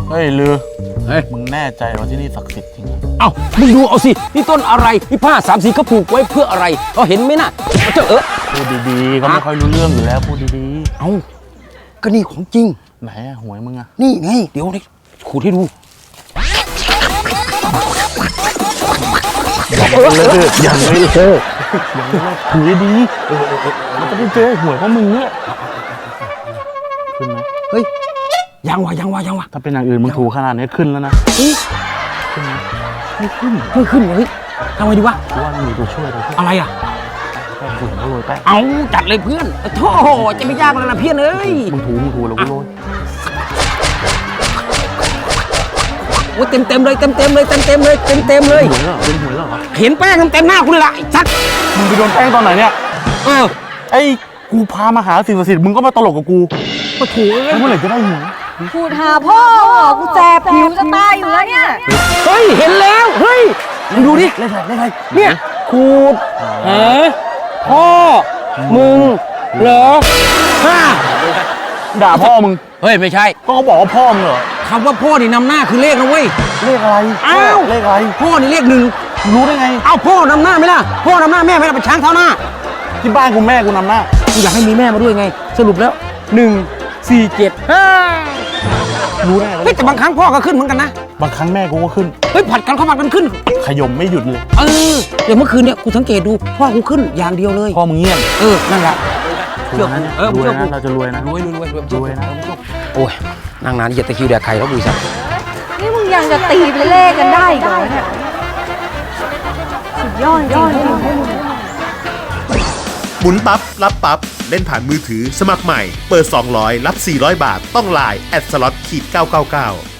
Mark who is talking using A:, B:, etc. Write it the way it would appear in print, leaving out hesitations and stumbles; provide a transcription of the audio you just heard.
A: เฮ้ยลือ
B: เฮ้ย
A: มึงแน่ใจว่าที่นี่ศักดิ์สิทธิ์จริง
B: เอ้ามึงดูเอาสินี่ต้นอะไรนี่ผ้าสามสีเขาผูกไว้เพื่ออะไรเขาเห็นไหมน่ะเจ้า
A: พูดดีๆเขาไม่ค่อยรู้เรื่องอยู่แล้วพูดดี
B: เอ้าก็นี่ของจริง
A: ๆไหนอะหวยมึงอะ
B: นี่ไงเดี๋ยวนี่ขูดให้ดู
A: ยังไม่เลิกถือดีมันจะได้เจอหวยเพราะมึงเนี่ยขึ้นไหม
B: เฮ้ยยังวะ
A: ถ้าเป็นอย่างอื่นมึงถูกขนาดนี้ขึ้นแล้วนะ
B: ขึ้นไหมไม่ขึ้นเฮ้ยทำไงดีวะ
A: กูว่ามีตัวช่วย
B: อะไรอ่ะ
A: แป้งฝุ่นก็โรยแป้ง
B: เอาจัดเลยเพื่อนโธ่จะไม่ยากแล้วนะเพื่อนเอ้ย
A: มึงถูแล้วกูโรย
B: โอ้เต็มเลย
A: หวยเหรอเป็นหวยเหรอ
B: เห็นแป้งเต็มหน้ากูเลยล่ะไอ้ชัด
A: มึงไปโดนแป้งตอนไหนเนี่ย
B: ไอ้
A: กูพามาหาสิ่งศักดิ์สิทธิ์มึงก็มาตลกกับกู
B: ปะถู
A: แล้วเมื่อไหร่จะได้หวย
C: พูดหาพ่อกูแสบผิวจะตายอยู่แล้วเนี่ย
B: เฮ้ยเห็นแล้วเฮ้ยมึงดูดิ
A: เลขอะไร
B: เนี่ยขูดหาพ่อมึงเหรอ
A: ด่าพ่อมึง
B: เฮ้ยไม่ใช่
A: ก็เขาบอกว่าพ่อมึงเหรอ
B: คำว่าพ่อนี่นำหน้าคือเลขนะเว้ย
A: เลขอะไร
B: อ้าว
A: เลขอะไร
B: พ่อนี่เลขหนึ่ง
A: รู้ได้ไง
B: เอ้าพ่อนำหน้าไหมล่ะพ่อนำหน้าแม่ไม่ล่ะเป็นช้างเท้าหน้า
A: ที่บ้านกูแม่กูนำหน้า
B: กูอยากให้มีแม่มาด้วยไง สรุปแล้ว1 4 7
A: รู้ได้ไง
B: เฮ้ยแต่บางครั้งพ่อก็ขึ้นเหมือนกันนะ
A: บางครั้งแม่กูก็ขึ้น
B: เฮ้ยผัดกันขึ้น
A: ขยมไม่หยุดเลย
B: อย่างเมื่อคืนเนี่ยกูสังเกตดูพ่อกูขึ้นอย่างเดียวเลย
A: พ่อมึงเงียบ
B: นั่นแหละ
A: เชื่อนะ
B: เชื่อกู
A: เราจะรวยนะ
B: รวย
A: รวยนะ
B: โอ้ยนั่งนานเหยียดตะคริวแดกไข่แล้วดูสิ
C: นี่มึงยังจะตีเป็นเลขกันได้อีกเหรอเนี่ยสุดยอดจริง
D: หมุนปั๊บ รับปั๊บ เล่นผ่านมือถือสมัครใหม่ เปิด 200 รับ 400 บาท ต้องไลน์@slot_999